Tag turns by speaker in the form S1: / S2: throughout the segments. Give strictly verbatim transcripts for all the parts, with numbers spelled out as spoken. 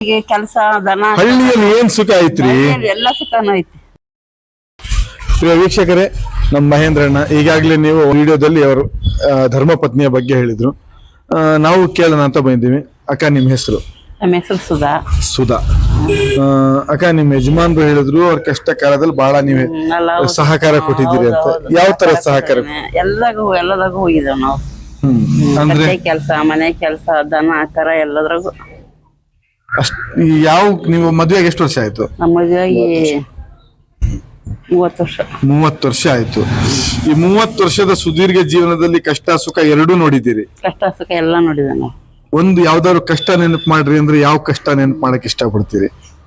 S1: ಕೆಲಸ ದನ
S2: ಹಳ್ಳಿಯಲ್ಲಿ ಏನ್ ಸುಖ ಐತ್ರಿ?
S1: ಎಲ್ಲ ಸುಖನೂ ಐತಿ.
S2: ವೀಕ್ಷಕರೇ, ನಮ್ಮ ಮಹೇಂದ್ರಣ್ಣ ಈಗಾಗಲೇ ನೀವು ವಿಡಿಯೋದಲ್ಲಿ ಅವರು ಧರ್ಮ ಪತ್ನಿಯ ಬಗ್ಗೆ ಹೇಳಿದ್ರು. ನಾವು ಕೇಳೋಣ ಅಂತ ಬಂದಿದ್ದೀವಿ. ಅಕ್ಕ, ನಿಮ್ಮ ಹೆಸರು?
S1: ನಮ್ಮ ಹೆಸರು ಸುಧಾ.
S2: ಸುಧಾ ಅಕ್ಕ, ನಿಮ್ ಯಜಮಾನ್ರು ಹೇಳಿದ್ರು ಅವ್ರ ಕಷ್ಟ ಕಾಲದಲ್ಲಿ ಬಹಳ ನೀವೇ ಸಹಕಾರ ಕೊಟ್ಟಿದ್ದೀರಿ ಅಂತ. ಯಾವ ತರ ಸಹಕಾರ?
S1: ಎಲ್ಲದಾಗೂ ಎಲ್ಲದಾಗೂ ಹೋಗಿದ್ದೇವೆ ನಾವು. ಅಂದ್ರೆ ಕೆಲಸ, ಮನೆ ಕೆಲಸ, ದನ ಕರ ಎಲ್ಲದ್ರಾಗೂ.
S2: ಅಷ್ಟ್ ಯಾವ ನೀವು ಮದುವೆಗೆ ಎಷ್ಟು ವರ್ಷ ಆಯ್ತು?
S1: ನಮ್ಮ ಮದುವೆಗೆ ಮೂವತ್ತು ವರ್ಷ.
S2: ಮೂವತ್ತು ವರ್ಷ ಆಯ್ತು. ಈ ಮೂವತ್ತು ವರ್ಷದ ಸುದೀರ್ಘ ಜೀವನದಲ್ಲಿ ಕಷ್ಟ ಸುಖ ಎರಡೂ ನೋಡಿದ್ದೀರಿ?
S1: ಕಷ್ಟ ಸುಖ ಎಲ್ಲ ನೋಡಿದೆ ನಾವು.
S2: ಒಂದು ಯಾವ್ದಾದ್ರು ಕಷ್ಟ ನೆನಪು ಮಾಡ್ರಿ ಅಂದ್ರೆ ಯಾವ ಕಷ್ಟ ನೆನಪು ಮಾಡಕ್ ಇಷ್ಟ ಪಡ್ತೀರಿ?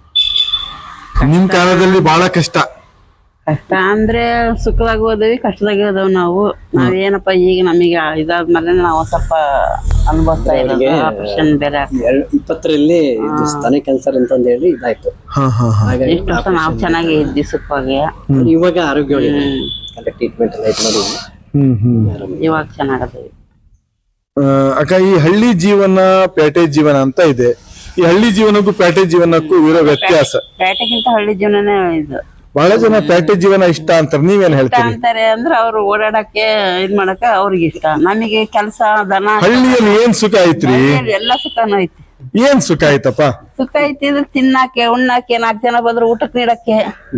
S2: ನಿಮ್ ಕಾಲದಲ್ಲಿ ಬಹಳ ಕಷ್ಟ
S1: ಕಷ್ಟ ಅಂದ್ರೆ ಸುಖದಾಗ ಹೋದವಿ, ಕಷ್ಟದಾಗ ಹೋದವ್ ನಾವು. ನಾವೇನಪ್ಪ ಈಗ ನಮಗೆ ಇದಾದ್ಮೇಲೆ ನಾವು ಸ್ವಲ್ಪ ಅನುಭವಿಸ್ತಾ ಇರೋದು. ಆಪರೇಷನ್ ಬೇರೆ
S3: ಇಪ್ಪತ್ತರಲ್ಲಿ ಸ್ತನ ಕ್ಯಾನ್ಸರ್ ಅಂತಂದು ಹೇಳಿ ಇದಾಯ್ತು.
S1: ಇಷ್ಟು ವರ್ಷ ನಾವು ಚೆನ್ನಾಗಿ ಇದ್ವಿ ಸುಖವಾಗಿ.
S3: ಇವಾಗ ಆರೋಗ್ಯ ಟ್ರೀಟ್ಮೆಂಟ್ ಎಲ್ಲ ಇತ್ತು ನೋಡಿ,
S1: ಇವಾಗ ಚೆನ್ನಾಗದವಿ.
S2: ಅಕ್ಕ, ಈ ಹಳ್ಳಿ ಜೀವನ ಪೇಟೆ ಜೀವನ ಅಂತ ಇದೆ. ಈ ಹಳ್ಳಿ ಜೀವನಕ್ಕೂ ಪೇಟೆ ಜೀವನಕ್ಕೂ ಇರೋ ವ್ಯತ್ಯಾಸ?
S1: ಪೇಟೆಗಿಂತ ಹಳ್ಳಿ ಜೀವನನೇ ಇದು.
S2: ಬಹಳ ಜನ ಪೇಟೆ ಜೀವನ ಇಷ್ಟ ಅಂತಾರೆ, ನೀವೇನ್ ಹೇಳ್ತೀರಿ?
S1: ಅಂತಾರೆ ಅಂದ್ರೆ ಅವ್ರು ಓಡಾಡಕ್ಕೆ ಇದ್ ಮಾಡಕ ಅವ್ರಿಗೆ ಇಷ್ಟ. ನಮಗೆ ಕೆಲಸ ದನ.
S2: ಹಳ್ಳಿಯಲ್ಲಿ ಏನ್ ಸುಖ ಐತ್ರಿ?
S1: ಎಲ್ಲ ಸುಖನೂ ಐತಿ.
S2: ಏನ್ ಸುಖ ಐತಪ್ಪ?
S1: ಸುಖ ಐತಿ ಅಂದ್ರೆ ತಿನ್ನಾಕೆ, ಉಣ್ಣಾಕೆ, ನಾಲ್ಕು ಜನ ಬಂದ್ರು ಊಟಕ್ಕೆ ನೀಡಕ್ಕೆ.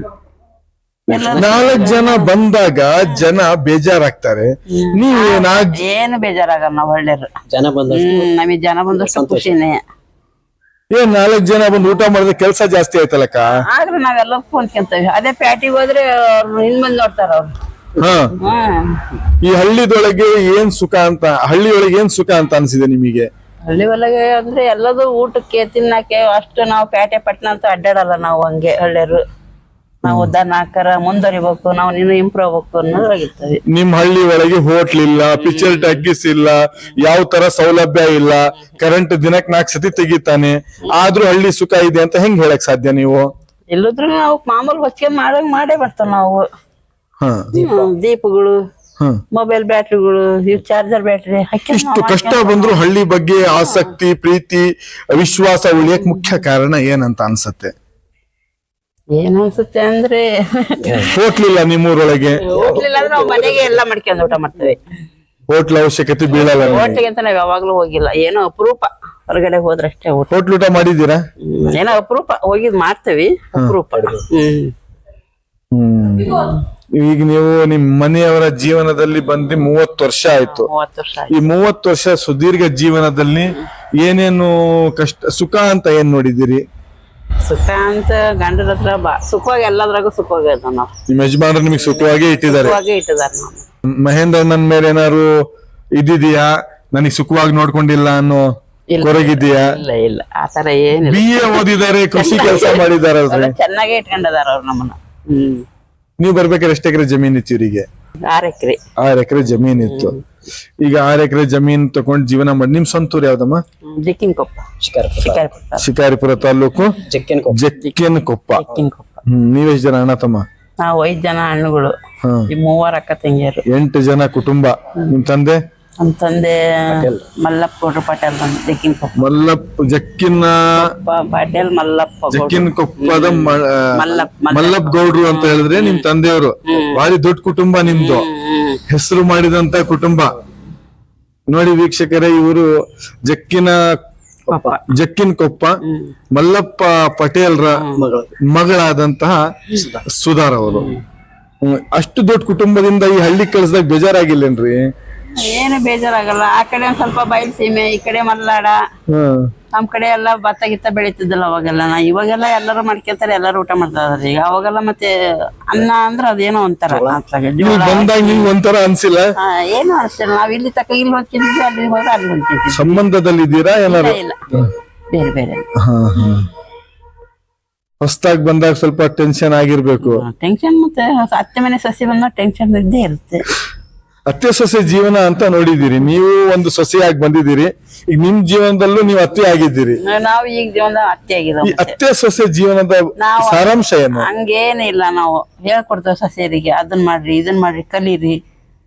S2: ನಾಲ್ಕು ಜನ ಬಂದಾಗ ಜನ ಬೇಜಾರಾಗ್ತಾರೆ. ನೀವು
S1: ಏನು ಬೇಜಾರಾಗಲ್ಲ ನಾವು ಹಳ್ಳಿಯರು.
S3: ಜನ ಬಂದಷ್ಟು
S1: ನಮಗೆ ಜನ ಬಂದಷ್ಟು ಖುಷಿನೇ.
S2: ಏನ್ ನಾಲ್ಕು ಜನ ಬಂದು ಊಟ ಮಾಡಿದ್ರೆ ಕೆಲಸ ಜಾಸ್ತಿ ಆಯ್ತಲ್ಲಕ್ಕ?
S1: ಆದ್ರೆ ನಾವೆಲ್ಲ ಕುಂತ್ಕೊಂತೇವೆ. ಅದೇ ಪ್ಯಾಟಿಗೆ ಹೋದ್ರೆ ಅವ್ರು ಹಿಂದ್ ಬಂದ್ ನೋಡ್ತಾರ ಅವ್ರು.
S2: ಹ ಈ ಹಳ್ಳಿದೊಳಗೆ ಏನ್ ಸುಖ ಅಂತ, ಹಳ್ಳಿಯೊಳಗೆ ಏನ್ ಸುಖ ಅಂತ ಅನ್ಸಿದೆ ನಿಮಗೆ?
S1: ಹಳ್ಳಿ ಒಳಗೆ ಅಂದ್ರೆ ಎಲ್ಲದೂ ಊಟಕ್ಕೆ ತಿನ್ನಕ್ಕೆ ಅಷ್ಟು ನಾವು ಪ್ಯಾಟೆ ಪಟ್ಟಣ ಅಂತ ಅಡ್ಡಾಡಲ್ಲ ನಾವು. ಹಂಗೆ ಹಳ್ಳಿಯರು ನಾವು ದನ ಕರ ಮುಂದುವರಿಬೇಕು, ನಾವು ನೀನು ಇಂಪ್ರೂವ್ ಆಗ್ಬೇಕು ಅನ್ನೋದ್ರಾಗಿರ್ತದೆ.
S2: ನಿಮ್ ಹಳ್ಳಿ ಒಳಗೆ ಹೋಟ್ಲ್ ಇಲ್ಲ, ಪಿಕ್ಚರ್ ಟಾಕೀಸ್ ಇಲ್ಲ, ಯಾವ ತರ ಸೌಲಭ್ಯ ಇಲ್ಲ, ಕರೆಂಟ್ ದಿನಕ್ ನಾಲ್ಕು ಸತಿ ತೆಗಿತಾನೆ, ಆದ್ರೂ ಹಳ್ಳಿ ಸುಖ ಇದೆ ಅಂತ ಹೆಂಗ್ ಹೇಳಕ್ ಸಾಧ್ಯ ನೀವು?
S1: ಎಲ್ಲಾದ್ರೂ ನಾವು ಮಾಮೂಲು ಹೊಚ್ಕೊಂಡ್ ಮಾಡಂಗ್ ಮಾಡೇ ಬರ್ತಾವ ನಾವು. ದೀಪಗಳು, ಮೊಬೈಲ್ ಬ್ಯಾಟ್ರಿಗಳು, ಇವ್ ಚಾರ್ಜರ್ ಬ್ಯಾಟ್ರಿ.
S2: ಇಷ್ಟು ಕಷ್ಟ ಬಂದ್ರು ಹಳ್ಳಿ ಬಗ್ಗೆ ಆಸಕ್ತಿ, ಪ್ರೀತಿ, ವಿಶ್ವಾಸ ಉಳಿಯಕ್ ಮುಖ್ಯ ಕಾರಣ ಏನಂತ ಅನ್ಸತ್ತೆ?
S1: ಏನ್ ಅನ್ಸುತ್ತೆ ಅಂದ್ರೆ
S2: ಹೋಟ್ಲ್ ಇಲ್ಲ ನಿಮ್ಮೂರೊಳಗೆ?
S1: ಹೋಟ್ಲಿಲ್ಲ ಅಂದ್ರೆ ನಾವು ಮನೆಗೆ ಎಲ್ಲ ಮಾಡ್ಕೊಂಡು ಊಟ ಮಾಡ್ತೇವೆ.
S2: ಹೋಟ್ಲ್ ಅವಶ್ಯಕತೆ ಬೀಳಲ್ಲ?
S1: ಹೋಟ್ಲಿಗೆ ಅಂತ ನಾವ್ ಯಾವಾಗ್ಲೂ ಹೋಗಿಲ್ಲ, ಏನೋ ಅಪರೂಪ ಹೊರಗಡೆ ಹೋದ್ರಷ್ಟೇ ಊಟ.
S2: ಹೋಟ್ಲ್ ಊಟ ಮಾಡಿದ್ದೀರಾ?
S1: ಏನೋ ಅಪರೂಪ ಹೋಗಿದ್ ಮಾಡ್ತೇವಿ, ಅಪರೂಪ. ಹ್ಮ್
S2: ಹ್ಮ್ ಈಗ ನೀವು ನಿಮ್ ಮನೆಯವರ ಜೀವನದಲ್ಲಿ ಬಂದು ಮೂವತ್ತು ವರ್ಷ ಆಯ್ತು.
S1: ಮೂವತ್ತು ವರ್ಷ
S2: ಈ ಮೂವತ್ತು ವರ್ಷ ಸುದೀರ್ಘ ಜೀವನದಲ್ಲಿ ಏನೇನು ಕಷ್ಟ ಸುಖ ಅಂತ ಏನ್ ನೋಡಿದ್ದೀರಿ?
S1: ಸುಖ ಅಂತ ಗಂಡರ ಹತ್ರ ಬಾ ಸುಖವಾಗಿ ಎಲ್ಲದ್ರಾಗೂ ಸುಖವಾಗಿ ಅದ ನಾವು.
S2: ನಿಮ್ ಯಜಮಾನ್ರು ನಿಮಗೆ ಸುಖವಾಗಿ ಇಟ್ಟಿದ್ದಾರೆ?
S1: ಸುಖವಾಗಿ ಇಟ್ಟಿದಾರ. ನಾವು
S2: ಮಹೇಂದ್ರಣ್ಣನ ಮೇಲೆ ಏನಾರು ಇದಿದೆಯಾ, ನನಗೆ ಸುಖವಾಗಿ ನೋಡ್ಕೊಂಡಿಲ್ಲ ಅನ್ನೋ ಕೊರಗಿದ್ಯಾ?
S1: ಇಲ್ಲ ಇಲ್ಲ, ಆತರ ಏನಿಲ್ಲ.
S2: ಬಿ ಎ ಓದಿದ್ದಾರೆ, ಕೃಷಿ ಕೆಲಸ ಮಾಡಿದಾರಲ್ರಿ,
S1: ಚೆನ್ನಾಗೇ ಇಟ್ಕೊಂಡಿದಾರ ಅವ್ರು ನಮ್ಮನ್ನ. ಹ್ಮ್
S2: ನೀವ್ ಬರ್ಬೇಕಾದ್ರೆ ಎಷ್ಟು ಎಕರೆ ಜಮೀನ್ ಇತ್ತು ಇವರಿಗೆ?
S1: ಆರ್ ಎಕರೆ.
S2: ಆರ್ ಎಕರೆ ಜಮೀನ್ ಇತ್ತು. ಈಗ ಆರ್ ಎಕರೆ ಜಮೀನ್ ತಗೊಂಡ್ ಜೀವನ ಮಾಡಿ. ನಿಮ್ ಸ್ವಂತೂರ್ ಯಾವ್ದಮ್ಮ?
S1: ಜಕ್ಕಿನಕೊಪ್ಪ, ಶಿಕಾರಿಪುರ.
S2: ಶಿಕಾರಿಪುರ ತಾಲೂಕು
S3: ಜಕ್ಕಿನಕೊಪ್ಪ.
S2: ಜಕ್ಕಿನಕೊಪ್ಪ.
S1: ಜಕ್ಕಿನಕೊಪ್ಪ.
S2: ಹ್ಮ್ ನೀವೆಷ್ಟು ಜನ ಅಣ್ಣ ತಮ್ಮ?
S1: ನಾವು ಐದ್ ಜನ ಹಣ್ಣುಗಳು, ಮೂವರ್ ಅಕ್ಕ ತಂಗಿಯರು,
S2: ಎಂಟು ಜನ ಕುಟುಂಬ. ನಿಮ್ ತಂದೆ?
S1: ನಮ್ ತಂದೆ ಮಲ್ಲಪ್ಪ ಗೌಡ್ರು ಪಾಟೀಲ್ ಬಂದ್ ಜಕ್ಕಿನಕೊಪ್ಪ.
S2: ಮಲ್ಲಪ್ಪ ಜಕ್ಕಿನ
S1: ಪಾಟೀಲ್ ಮಲ್ಲಪ್ಪ
S2: ಜಕ್ಕಿನಕೊಪ್ಪದ
S1: ಮಲ್ಲಪ್ಪ
S2: ಮಲ್ಲಪ್ಪ ಗೌಡ್ರು ಅಂತ ಹೇಳಿದ್ರೆ ನಿಮ್ ತಂದೆಯವರು. ಭಾರಿ ದೊಡ್ಡ ಕುಟುಂಬ ನಿಮ್ದು, ಹೆಸರು ಮಾಡಿದಂತ ಕುಟುಂಬ ನೋಡಿ ವೀಕ್ಷಕರೇ. ಇವರು ಜಕ್ಕಿನ ಜಕ್ಕಿನಕೊಪ್ಪ ಮಲ್ಲಪ್ಪ ಪಟೇಲ್ರ ಮಗಳಾದಂತಹ ಸುಧಾರ್ ಅವರು. ಅಷ್ಟು ದೊಡ್ಡ ಕುಟುಂಬದಿಂದ ಈ ಹಳ್ಳಿ ಕಳ್ಸದಾಗ ಬೇಜಾರಾಗಿಲ್ಲೇನ್ರಿ?
S1: ಏನು ಬೇಜಾರಾಗಲ್ಲ. ಆ ಕಡೆ ಒಂದ್ ಸ್ವಲ್ಪ ಬಯಲು ಸೀಮೆ, ಈ ಕಡೆ ಮಲ್ನಾಡ. ನಮ್ ಕಡೆ ಎಲ್ಲಾ ಭತ್ತ ಗಿತ್ತ ಬೆಳೀತಿದ್ದಲ್ಲ ಅವಾಗೆಲ್ಲ. ಇವಾಗೆಲ್ಲ ಎಲ್ಲರೂ ಮಾಡ್ಕೊಂತಾರೆ, ಎಲ್ಲರೂ ಊಟ ಮಾಡ್ತಾ ಇದಾರೆ ಈಗ. ಅವಾಗೆಲ್ಲ ಮತ್ತೆ ಅನ್ನ ಅಂದ್ರೆ ಅದೇನೋ ಒಂಥರ
S2: ಬಂದಾಗ ನಿಮ್ಗೆ ಒಂಥರ ಅನ್ಸಿಲ್ಲ?
S1: ಏನು ಅನ್ಸಿಲ್ಲ. ನಾವ್ ಇಲ್ಲಿ ತಕ್ಕ ಇಲ್ಲಿ ಹೊಂದ್ಕಿದ್ವಿ, ಅಲ್ಲಿ ಹೋದ್ರೆ ಅಲ್ಲಿ ಹೊಂದ್ಕಿದ್ವಿ.
S2: ಸಂಬಂಧದಲ್ಲಿ ಇದ್ದೀರಾ ಏನಾರು?
S1: ಇಲ್ಲ, ಬೇರೆ ಬೇರೆ.
S2: ಹೊಸದಾಗಿ ಬಂದಾಗ ಸ್ವಲ್ಪ ಟೆನ್ಷನ್ ಆಗಿರ್ಬೇಕು.
S1: ಟೆನ್ಷನ್ ಮತ್ತೆ ಅತ್ತೆ ಮನೆ ಸಸಿ ಬಂದಾಗ ಟೆನ್ಷನ್ ಇದ್ದೇ ಇರುತ್ತೆ.
S2: ಅತ್ತೆ ಸೊಸೆ ಜೀವನ ಅಂತ ನೋಡಿದ್ದೀರಿ ನೀವು, ಒಂದು ಸೊಸೆಯಾಗಿ ಬಂದಿದ್ದೀರಿ. ಈಗ ನಿಮ್ ಜೀವನದಲ್ಲೂ ನೀವು ಅತ್ತೆ ಆಗಿದ್ದೀರಿ.
S1: ನಾವು ಈಗ ಜೀವನದ ಅತ್ತೆ ಆಗಿದ್ದೀವಿ.
S2: ಅತ್ತೆ ಸೊಸೆ ಜೀವನದ ಸಾರಾಂಶ ಏನು?
S1: ಹಂಗೇನಿಲ್ಲ, ನಾವು ಹೇಳ್ಕೊಡ್ತೇವೆ ಸೊಸೆಯರಿಗೆ, ಅದನ್ ಮಾಡ್ರಿ ಇದನ್ ಮಾಡ್ರಿ ಕಲೀರಿ.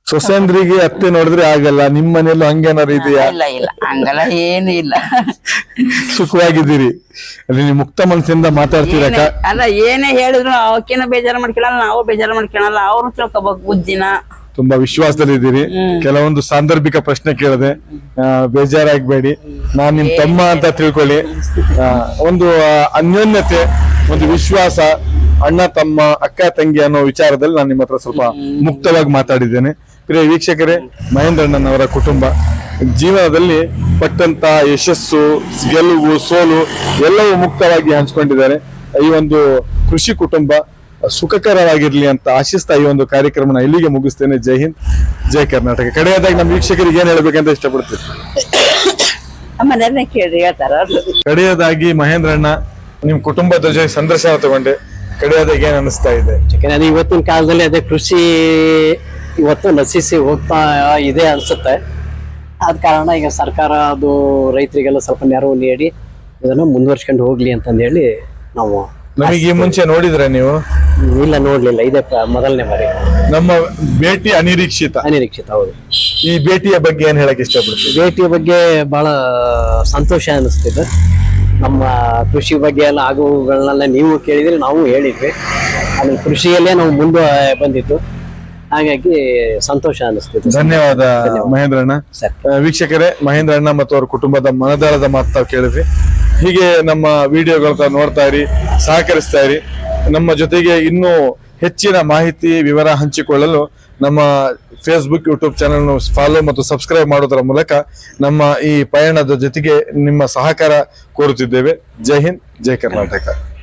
S2: ಸೊಸೆಂದ್ರಿಗೆ ಅತ್ತೆ ನೋಡಿದ್ರೆ ಆಗಲ್ಲ, ನಿಮ್ ಮನೆಯಲ್ಲೂ ಹಂಗೇನಾರು ಇದೆಯಾ?
S1: ಇಲ್ಲ ಇಲ್ಲ ಹಂಗಲ್ಲ ಏನು ಇಲ್ಲ.
S2: ಸುಖವಾಗಿದ್ದೀರಿ ಅಲ್ಲಿ, ನೀವು ಮುಕ್ತ ಮನಸ್ಸಿಂದ ಮಾತಾಡ್ತೀರಕ್ಕ.
S1: ಏನೇ- ಅಲ್ಲ ಏನೇ ಹೇಳಿದ್ರು ಅವಕ್ಕೇನ ಬೇಜಾರು ಮಾಡ್ಕೊಳಲ್ಲ, ನಾವು ಬೇಜಾರು ಮಾಡ್ಕೊಳಲ್ಲ, ಅವ್ರು ತಿಳ್ಕೊಬೇಕು ಬುದ್ಧಿನ.
S2: ತುಂಬಾ ವಿಶ್ವಾಸದಲ್ಲಿದ್ದೀರಿ. ಕೆಲವೊಂದು ಸಾಂದರ್ಭಿಕ ಪ್ರಶ್ನೆ ಕೇಳಿದೆ, ಆ, ಬೇಜಾರಾಗ್ಬೇಡಿ, ನಾನ್ ನಿಮ್ ತಮ್ಮ ಅಂತ ತಿಳ್ಕೊಳ್ಳಿ. ಆ, ಒಂದು ಆ, ಅನ್ಯೋನ್ಯತೆ, ಒಂದು ವಿಶ್ವಾಸ, ಅಣ್ಣ ತಮ್ಮ ಅಕ್ಕ ತಂಗಿ ಅನ್ನೋ ವಿಚಾರದಲ್ಲಿ ನಾನು ನಿಮ್ಮ ಹತ್ರ ಸ್ವಲ್ಪ ಮುಕ್ತವಾಗಿ ಮಾತಾಡಿದ್ದೇನೆ. ಪ್ರಿಯ ವೀಕ್ಷಕರೇ, ಮಹೇಂದ್ರಣ್ಣನವರ ಕುಟುಂಬ ಜೀವನದಲ್ಲಿ ಪಟ್ಟಂತ ಯಶಸ್ಸು, ಗೆಲುವು, ಸೋಲು ಎಲ್ಲವೂ ಮುಕ್ತವಾಗಿ ಹಂಚ್ಕೊಂಡಿದ್ದಾರೆ. ಈ ಒಂದು ಕೃಷಿ ಕುಟುಂಬ ಸುಖಕರವಾಗಿರ್ಲಿ ಅಂತ ಆಶಿಸ್ತಾ ಈ ಒಂದು ಕಾರ್ಯಕ್ರಮನ ಇಲ್ಲಿಗೆ ಮುಗಿಸ್ತೇನೆ. ಜೈ ಹಿಂದ್, ಜೈ ಕರ್ನಾಟಕ. ಕಡೆಯದಾಗಿ ನಮ್ಮ ವೀಕ್ಷಕರಿಗೆ ಏನ್ ಹೇಳ್ಬೇಕಂತ ಇಷ್ಟಪಡ್ತೀನಿ?
S1: ಮನೆಯಲ್ಲೇ ಕೇಳ್ರಿ ಹೇಳ್ತಾರ ಅವ್ರು.
S2: ಕಡೆಯದಾಗಿ ಮಹೇಂದ್ರಣ್ಣ, ನಿಮ್ ಕುಟುಂಬದ ಜೊತೆ ಸಂದರ್ಶನ ತಗೊಂಡೆ, ಕಡೆಯದಾಗಿ ಏನ್ ಅನಿಸ್ತಾ ಇದೆ?
S3: ಯಾಕಂದ್ರೆ ಅದು ಇವತ್ತಿನ ಕಾಲದಲ್ಲಿ ಅದೇ ಕೃಷಿ ಇವತ್ತು ನಶಿಸಿ ಹೋಗ್ತಾ ಇದೆ ಅನ್ಸುತ್ತೆ. ಆದ ಕಾರಣ ಈಗ ಸರ್ಕಾರ ಅದು ರೈತರಿಗೆಲ್ಲ ಸ್ವಲ್ಪ ನೆರವು ನೀಡಿ ಇದನ್ನ ಮುಂದುವರ್ಸ್ಕೊಂಡು ಹೋಗ್ಲಿ ಅಂತಂದು ಹೇಳಿ ನಾವು.
S2: ನಮಗೆ ಈ ಮುಂಚೆ ನೋಡಿದ್ರೆ ನೀವು?
S3: ಇಲ್ಲ, ನೋಡ್ಲಿಲ್ಲ, ಇದೇ ಪ್ರ- ಮೊದಲನೇ ಬಾರಿ.
S2: ನಮ್ಮ ಭೇಟಿ ಅನಿರೀಕ್ಷಿತ.
S3: ಅನಿರೀಕ್ಷಿತ, ಹೌದು.
S2: ಈ ಭೇಟಿಯ ಬಗ್ಗೆ ಏನ್ ಹೇಳಕ್ ಇಷ್ಟಪಡ್ತೀವಿ?
S3: ಭೇಟಿಯ ಬಗ್ಗೆ ಬಹಳ ಸಂತೋಷ ಅನಿಸ್ತಿದೆ. ನಮ್ಮ ಕೃಷಿ ಬಗ್ಗೆ ಎಲ್ಲ ಆಗುಗಳನ್ನೆಲ್ಲ ನೀವು ಕೇಳಿದ್ರೆ ನಾವು ಹೇಳಿದ್ವಿ. ಆಮೇಲೆ ಕೃಷಿಯಲ್ಲೇ ನಾವು ಮುಂದೆ ಬಂದಿದ್ದು, ಹಾಗಾಗಿ ಸಂತೋಷ ಅನಿಸ್ತಿದೆ.
S2: ಧನ್ಯವಾದ ಮಹೇಂದ್ರಣ್ಣ.
S3: ಸರ್.
S2: ಆ, ವೀಕ್ಷಕರೇ, ಮಹೇಂದ್ರಣ್ಣ ಮತ್ತು ಅವರ ಕುಟುಂಬದ ಮನದಾಳದ ಮಾತು ತಾವು ಕೇಳಿದ್ರಿ. ಹೀಗೆ ನಮ್ಮ ವಿಡಿಯೋಗಳನ್ನ ನೋಡ್ತಾ ಇರಿ, ಸಹಕರಿಸ್ತಾ ಇರಿ. ನಮ್ಮ ಜೊತೆಗೆ ಇನ್ನೂ ಹೆಚ್ಚಿನ ಮಾಹಿತಿ ವಿವರ ಹಂಚಿಕೊಳ್ಳಲು ನಮ್ಮ ಫೇಸ್ಬುಕ್, ಯೂಟ್ಯೂಬ್ ಚಾನೆಲ್ ಫಾಲೋ ಮತ್ತು ಸಬ್ಸ್ಕ್ರೈಬ್ ಮಾಡೋದರ ಮೂಲಕ ನಮ್ಮ ಈ ಪಯಣದ ಜೊತೆಗೆ ನಿಮ್ಮ ಸಹಕಾರ ಕೋರುತ್ತಿದ್ದೇವೆ. ಜೈ ಹಿಂದ್, ಜೈ ಕರ್ನಾಟಕ.